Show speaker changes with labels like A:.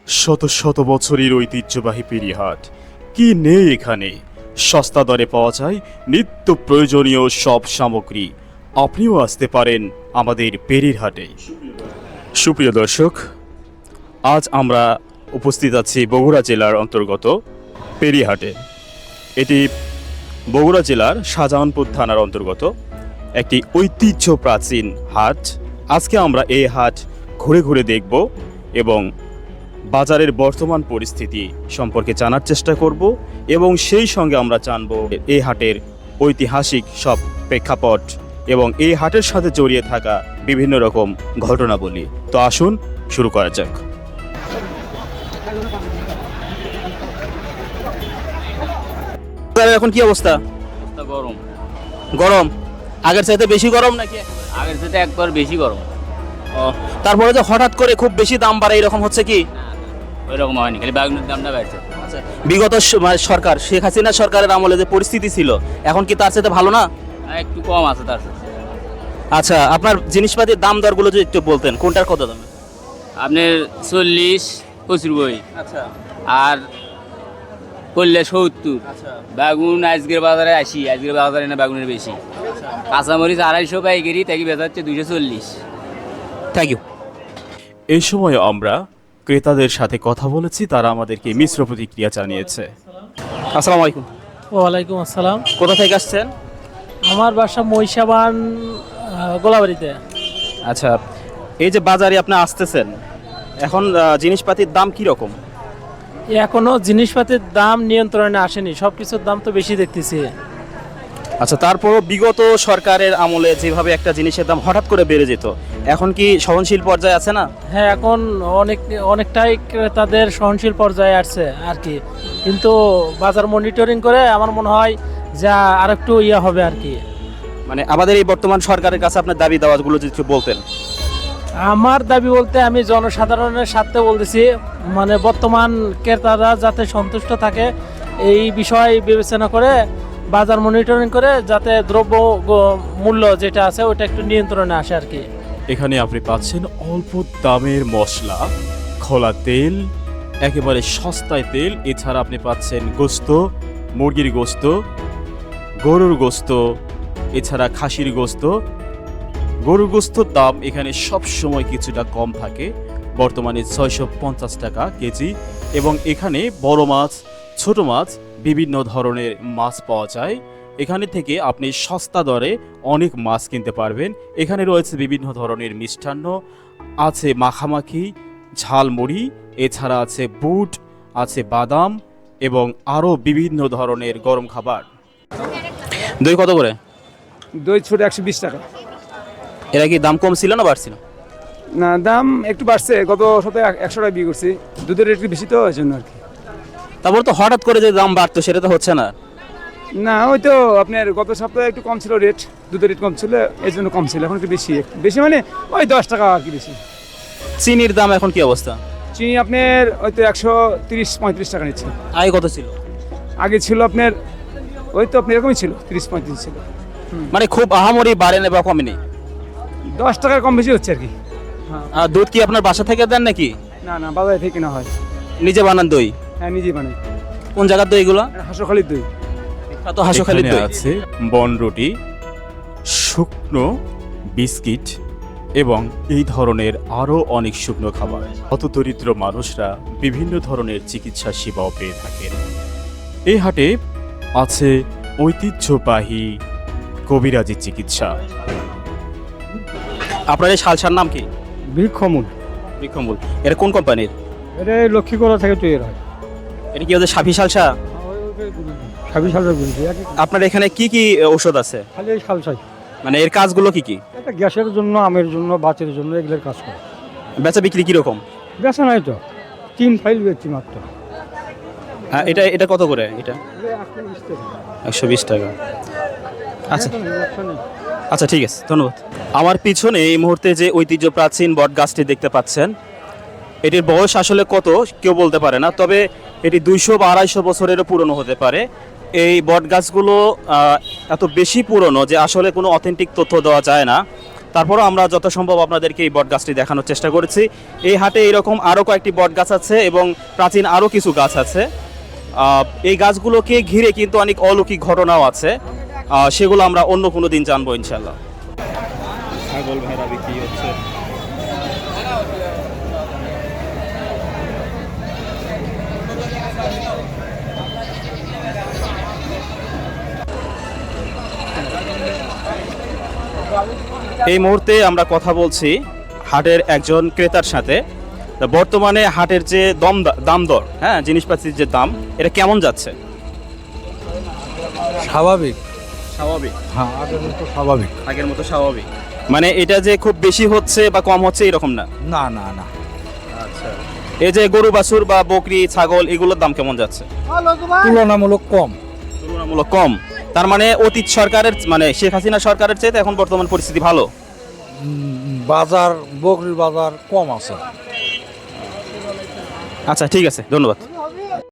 A: শত শত বছরের ঐতিহ্যবাহী পেরিহাট কি নেই এখানে। সস্তা দরে পাওয়া যায় নিত্য প্রয়োজনীয় সব সামগ্রী। আপনিও আসতে পারেন আমাদের পেরিরহাটে। সুপ্রিয় দর্শক, আজ আমরা উপস্থিত আছি বগুড়া জেলার অন্তর্গত পেরিহাটে। এটি বগুড়া জেলার শাহজাহানপুর থানার অন্তর্গত একটি ঐতিহ্য প্রাচীন হাট। আজকে আমরা এই হাট ঘুরে ঘুরে দেখব এবং বাজারের বর্তমান পরিস্থিতি সম্পর্কে জানার চেষ্টা করব এবং সেই সঙ্গে আমরা জানব এই হাটের ঐতিহাসিক সব প্রেক্ষাপট এবং এই হাটের সাথে জড়িয়ে থাকা বিভিন্ন রকম ঘটনাবলী। তো আসুন শুরু করা যাক। এখন কি অবস্থা?
B: গরম
A: গরম আগের চাইতে বেশি গরম নাকি?
B: আগের থেকে একবার বেশি গরম।
A: তারপরে যে হঠাৎ করে খুব বেশি দাম বাড়ে এরকম হচ্ছে কি?
B: ওই রকম হয়নি, খালি বাগুনের দামটা বাড়ছে।
A: বিগত সরকার শেখ হাসিনা সরকারের আমলে যে পরিস্থিতি ছিল এখন কি তার সাথে ভালো না?
B: একটু কম আছে তার সাথে।
A: আচ্ছা, আপনার জিনিসপাতির দাম দরগুলো যদি একটু বলতেন, কোনটার কত দাম?
B: আপনার 40-85,
A: আচ্ছা
B: আর করলে 70।
A: আচ্ছা
B: বেগুন আজকের বাজারে 80, আজকের বাজারে না বেগুনের বেশি। কাঁচামরিচ 250 পাইকারি, তাকে বেচা হচ্ছে 240।
A: Thank you. এই সময় আমরা ক্রেতাদের সাথে কথা বলেছি, তারা আমাদেরকে মিশ্র প্রতিক্রিয়া জানিয়েছে। আসসালামু আলাইকুম।
C: ওয়ালাইকুম আসসালাম।
A: কোথা থেকে আসছেন?
C: আমার বাসা মহিষাবান, গোলাবাড়িতে।
A: আচ্ছা, এই যে বাজারে আপনি আসতেছেন, এখন জিনিসপাতির দাম কি রকম?
C: এখনো জিনিসপাতির দাম নিয়ন্ত্রণে আসেনি, সব কিছুর দাম তো বেশি দেখতেছি।
A: আচ্ছা, তারপরও বিগত সরকারের আমলে যেভাবে একটা জিনিসের দাম হঠাৎ করে বেড়ে যেত, এখন কি সহনশীল পর্যায়ে আছে না?
C: হ্যাঁ, এখন অনেকটাই ক্রেতাদের সহনশীল পর্যায়ে আসছে আর কি, কিন্তু বাজার মনিটরিং করে আমার মনে হয় যা আর একটু হবে আর কি।
A: মানে আমাদের এই বর্তমান সরকারের কাছে আপনার দাবি দাওয়াগুলো যদি একটু বলতেন।
C: আমার দাবি বলতে আমি জনসাধারণের স্বার্থে বলতেছি, মানে বর্তমান ক্রেতারা যাতে সন্তুষ্ট থাকে এই বিষয় বিবেচনা করে বাজার মনিটরিং করে যাতে দ্রব্য মূল্য যেটা আছে ওটা একটু নিয়ন্ত্রণে আসে আর কি।
A: এখানে আপনি পাচ্ছেন অল্প দামের মশলা, খোলা তেল, একেবারে সস্তায় তেল। এছাড়া আপনি পাচ্ছেন গোস্ত, মুরগির গোস্ত, গরুর গোস্ত, এছাড়া খাসির গোস্ত। গরুর গোস্তর দাম এখানে সব সময় কিছুটা কম থাকে, বর্তমানে 650 টাকা কেজি। এবং এখানে বড় মাছ, ছোট মাছ, বিভিন্ন ধরনের মাছ পাওয়া যায়। এখানে থেকে আপনি সস্তা দরে অনেক মাছ কিনতে পারবেন। এখানে রয়েছে বিভিন্ন ধরনের মিষ্টান্ন, আছে মাখামাখি, ঝালমুড়ি, এছাড়া আছে বুট, আছে বাদাম এবং আরও বিভিন্ন ধরনের গরম খাবার। দই কত করে?
D: দই ছোট 120 টাকা।
A: এরা কি দাম কম ছিল না বাড়ছিল?
D: না, দাম একটু বাড়ছে, গত সপ্তাহে 100 টাকা বিয়ে করছি। দুধের রেট একটু বেশি তো, এই জন্য আর কি।
A: তারপর তো হঠাৎ করে যে দাম বাড়তো সেটা তো হচ্ছে না।
D: না, ওই তো আপনার গত সপ্তাহে একটু কম ছিল রেট, দুধের রেট কম ছিল এই জন্য কম ছিল, এখন একটু বেশি বেশি মানে ওই 10 টাকা আর কি বেশি।
A: চিনির দাম এখন কি অবস্থা?
D: চিনি আপনার ওই তো 130-35 টাকা নিচ্ছে।
A: আগে কত ছিল?
D: আগে ছিল আপনার ওই তো আপনার এরকমই ছিল, 30-35 ছিল।
A: মানে খুব আহামরি বাড়ে না বা কমেনি?
D: 10 টাকার কম বেশি হচ্ছে আর কি।
A: আর দুধ কি আপনার বাসা থেকে দেন নাকি?
D: না না, বাজারে থেকে কেনা হয়।
A: নিজে বানান দই?
D: হ্যাঁ, নিজেই বানাই।
A: কোন জায়গার দই এগুলো?
D: হাঁসখালির দই।
A: তো হাঁসখালির দই আছে। বনরুটি, শুকনো বিস্কিট এবং এই ধরনের আরও অনেক শুকনো খাবার। হতদরিদ্র মানুষরা বিভিন্ন ধরনের চিকিৎসা সেবাও পেয়ে থাকেন। এই হাটে আছে ঐতিহ্যবাহী কবিরাজি চিকিৎসা। আপনার এই শালসার নাম কি?
D: বৃক্ষমূল।
A: বৃক্ষমূল। এটা কোন কোম্পানির?
D: এটা লক্ষ্মীগড়া থেকে তৈরি হয়।
A: এটা কি ওদের সাফি শালসা?
D: 26 সালের গুলি।
A: আপনার এখানে কি কি ঔষধ আছে?
D: খালি এই শালসাই।
A: মানে এর কাজগুলো কি কি?
D: এটা গ্যাসের জন্য, আমের জন্য, বাতের জন্য এগুলোর কাজ করে।
A: বেচা বিক্রি কিরকম?
D: বেচা নাই তো, 3 ফাইল বেচছি মাত্র।
A: হ্যাঁ, এটা কত করে? এটা 120 টাকা। আচ্ছা আচ্ছা, ঠিক আছে, ধন্যবাদ। আমার পিছনে এই মুহূর্তে যে ঐতিহ্য প্রাচীন বট গাছটি দেখতে পাচ্ছেন, এটির বয়স আসলে কত কেউ বলতে পারে না, তবে এটি 200 বা 250 বছরেরও পুরনো হতে পারে। এই বট গাছগুলো এত বেশি পুরনো যে আসলে কোনো অথেন্টিক তথ্য দেওয়া যায় না। তারপরও আমরা যথাসম্ভব আপনাদেরকে এই বট গাছটি দেখানোর চেষ্টা করেছি। এই হাটে এরকম আরও কয়েকটি বট গাছ আছে এবং প্রাচীন আরও কিছু গাছ আছে। এই গাছগুলোকে ঘিরে কিন্তু অনেক অলৌকিক ঘটনাও আছে, সেগুলো আমরা অন্য কোনো দিন জানবো ইনশাল্লাহ। ছাগল ভেড়া বিক্রি হচ্ছে। এই মুহূর্তে আমরা কথা বলছি হাটের একজন ক্রেতার সাথে। তা বর্তমানে হাটের যে দাম দর, হ্যাঁ, জিনিসপাতির যে দাম, এটা কেমন যাচ্ছে?
E: স্বাভাবিক।
A: স্বাভাবিক,
E: হ্যাঁ, আগের মতো স্বাভাবিক।
A: আগের মতো স্বাভাবিক, মানে এটা যে খুব বেশি হচ্ছে বা কম হচ্ছে এরকম না।
E: না না না,
A: আচ্ছা, এই যে গরু বাছুর বা বকরি ছাগল এগুলোর দাম কেমন যাচ্ছে?
E: তুলনামূলক কম।
A: তুলনামূলক কম, তার মানে অতীত সরকারের, মানে শেখ হাসিনা সরকারের চাইতে এখন বর্তমান পরিস্থিতি ভালো।
E: বাজার, বকরির বাজার কম আছে।
A: আচ্ছা, ঠিক আছে, ধন্যবাদ।